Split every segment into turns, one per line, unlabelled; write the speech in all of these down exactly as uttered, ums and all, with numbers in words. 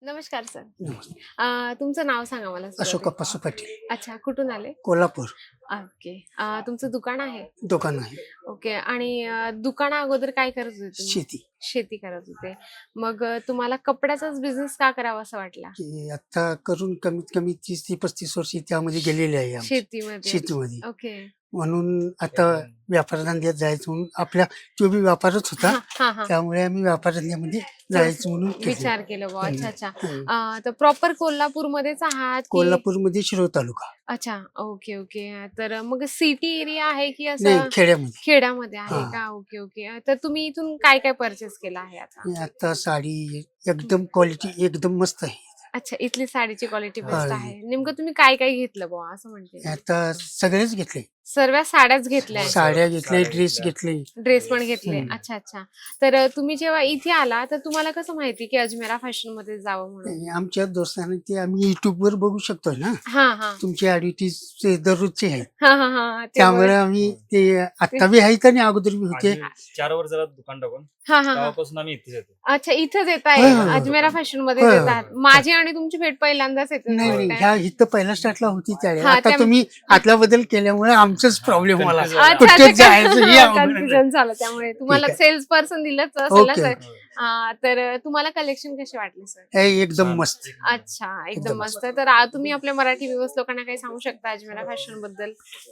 नमस्कार सर.
नमस्ते.
अ, तुमचं नाव सांगा मला
अशोक
सुरुवातीला.
अप्पासू पाटील,
अच्छा, कुठून आले?
कोल्हापूर.
ओके. अ, तुमचं दुकान आहे?
दुकान आहे.
ओके. आणि अ, दुकाना अगोदर काय करत होते तुम्ही?
शेती.
शेती करत होते. मग अ, तुम्हाला कपड्याचाच बिझनेस का करावा असं वाटला?
की आता करून कमीत कमी तीस ते पस्तीस वर्ष त्यामध्ये गेलेले आहे आमची
शेतीमध्ये.
शेतीमध्ये.
ओके.
म्हणून आता व्यापार धंद्यात जायचं म्हणून आपल्या तो बी व्यापारच होता,
हा हा हा.
त्यामुळे आम्ही व्यापार धंद्यामध्ये जायचं म्हणून केलं.
विचार केला बुवा. अच्छा अच्छा.
हम्म.
अ, तर प्रॉपर कोल्हापूरमध्येच आहात की?
कोल्हापूरमध्ये शिरोळ तालुका.
अच्छा. Okay okay. तर मग सिटी एरिया आहे की
नाही,
असं
खेड्यामध्ये.
खेड्यामध्ये आहे
हा.
का? Okay okay. तर तुम्ही इथून काय काय परचेस केलं आहे आता?
आणि आता साडी एकदम क्वालिटी एकदम मस्त आहे.
अच्छा, इथली साडीची क्वालिटी बेस्ट
हा.
आहे. नेमकं तुम्ही काय काय घेतलं बुवा असं म्हणते?
आता सगळेच घेतले,
सर्व साड्याच घेतल्या,
साड्या घेतले, ड्रेस घेतले.
ड्रेस पण घेतले.
हम्म.
अच्छा अच्छा. तर अ, तुम्ही जेव्हा इथे आला तर तुम्हाला कसं माहिती की अजमेरा फॅशन मध्ये जावं म्हणून?
आणि आमच्या दोस्तांनी ते आम्ही युट्यूब वर बघू शकतो ना,
हा हा
तुमची ऍडव्हर्टीज दररोजचे आहेत,
हा हा हा. ते
त्यामुळे
बरं.
आम्ही ते आता बी आहेत आणि अगोदर बी होते.
आम्ही चार वर्षाला दुकान टाकून
हा हा हा.
तेव्हापासून आम्ही इथेच येतो.
अच्छा, इथंच येत आहे.
होय, होय, होय.
अजमेरा फॅशन मध्ये
होय,
येत
होय.
आहात. माझी आणि तुमची भेट पहिल्यांदाच येते.
नाही नाही, ह्या इथं पहिला स्टार्टला होती त्यावेळेस.
हा,
आता
त्या-
तुम्ही आतला बदल केल्यामुळे आमचाच प्रॉब्लेम मला.
Confuse
अच्छा
कुठेच
अच्छा.
जायचं हे अवघड आहे.
कन्फ्युजन झालं त्यामुळे तुम्हाला
ठीक
सेल्स पर्सन दिलंच असेल ना
ओके.
सर. हा, तर तुम्हाला कलेक्शन कसे वाटले सर?
हे एकदम
छान.
मस्त.
अच्छा, एकदम
एकदम
मस्त. तर आ- तुम्ही आपल्या मराठी व्ह्यूअर्स लोकांना काही सांगू शकता अजमेरा फॅशन बद्दल?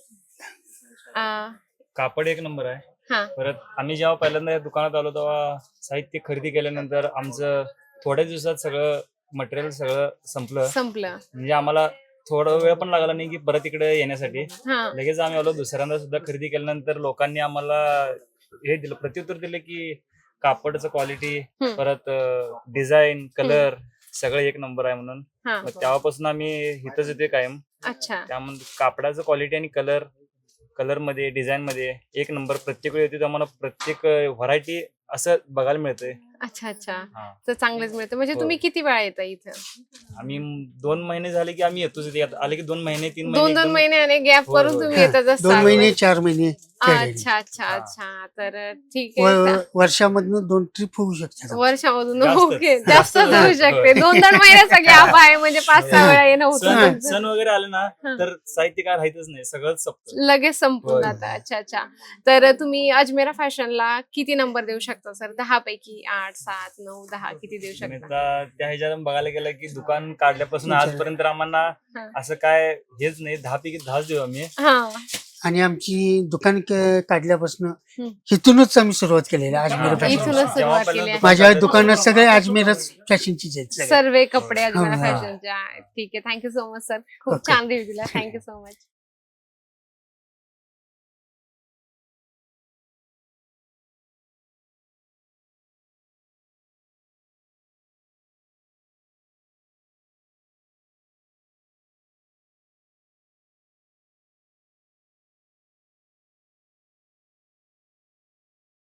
आ,
कापड एक नंबर आहे.
हा
परत आम्ही जेव्हा पहिल्यांदा या दुकानात आलो तेव्हा साहित्य खरेदी केल्यानंतर आमचं थोड्या दिवसात सगळं मटेरियल सगळं संपलं.
संपलं.
म्हणजे आम्हाला थोडा वेळ पण लागला नाही की परत इकडे येण्यासाठी.
हा
लगेच आम्ही आलो. दुसऱ्यांदा सुद्धा खरेदी केल्यानंतर लोकांनी आम्हाला हे दिलं, प्रत्युत्तर दिलं की कापडचं क्वालिटी,
हम्म.
परत डिझाईन, कलर सगळं एक नंबर आहे म्हणून.
हा.
मग तेव्हापासून आम्ही इथंच येते कायम.
अच्छा.
त्यामध्ये कापडाचं क्वालिटी आणि कलर कलर मध्ये डिझाईन मध्ये एक नंबर. प्रत्येक वेळी येते तर आम्हाला प्रत्येक व्हरायटी असं बघायला मिळतंय.
अच्छा अच्छा.
हा.
तर चांगलेच मिळतं. म्हणजे
हो.
तुम्ही किती वेळा येता इथं?
आम्ही दोन महिने झाले की आम्ही येतोच इथे. आले की दोन महिने तीन
दोन दोन
एकदम-
महिने गॅप
होय,
करून
होय.
तुम्ही येतच
दोन
असता.
महिने चार महिने खेळलेले.
अच्छा अच्छा
हा.
अच्छा. तर ठीक आहे.
व- वर्षामधनं दोन ट्रिप होऊ शकतात.
वर्षामधून
जास्तच.
ओके जास्त
जास्त
होऊ
होय.
शकते. दोन दोन महिन्याचा गॅप आहे म्हणजे पाच सहा वेळा येणं होतं
सण
तुमचं.
सण वगैरे आले ना
हा.
तर साहित्य काय राहतच नाही, सगळंच संपतं.
लगेच संपून
होय.
जातं. अच्छा अच्छा. तर तुम्ही अजमेरा फॅशनला किती नंबर देऊ शकता सर? दहा पैकी आठ, सात, नऊ, दहा किती देऊ
आणि
शकता?
आता त्या ह्याच्यात बघायला गेलं की दुकान काढल्यापासून आजपर्यंत आम्हाला
हा.
असं काय हेच नाही. दहा पैकी दहाच देऊ आम्ही.
हा.
आणि आमची दुकान क- काढल्यापासून
हम्म.
इथूनच आम्ही सुरुवात केलेली आहे अजमेर
हा.
फॅशन.
इथूनच
जेव्हा
सुरुवात
पहिल्यांदा
केली आहे.
दुकान
माझ्या
काढलं
दुकानात
तेव्हा-
सगळे अजमेरच फॅशनचीच आहेत सगळे.
सर्व कपडे अजमेरा
हा.
फॅशनच्या. ठीक आहे. Thank you so much sir. खूप
ओके.
छान रिव्ह्यू दिला. Thank you so much.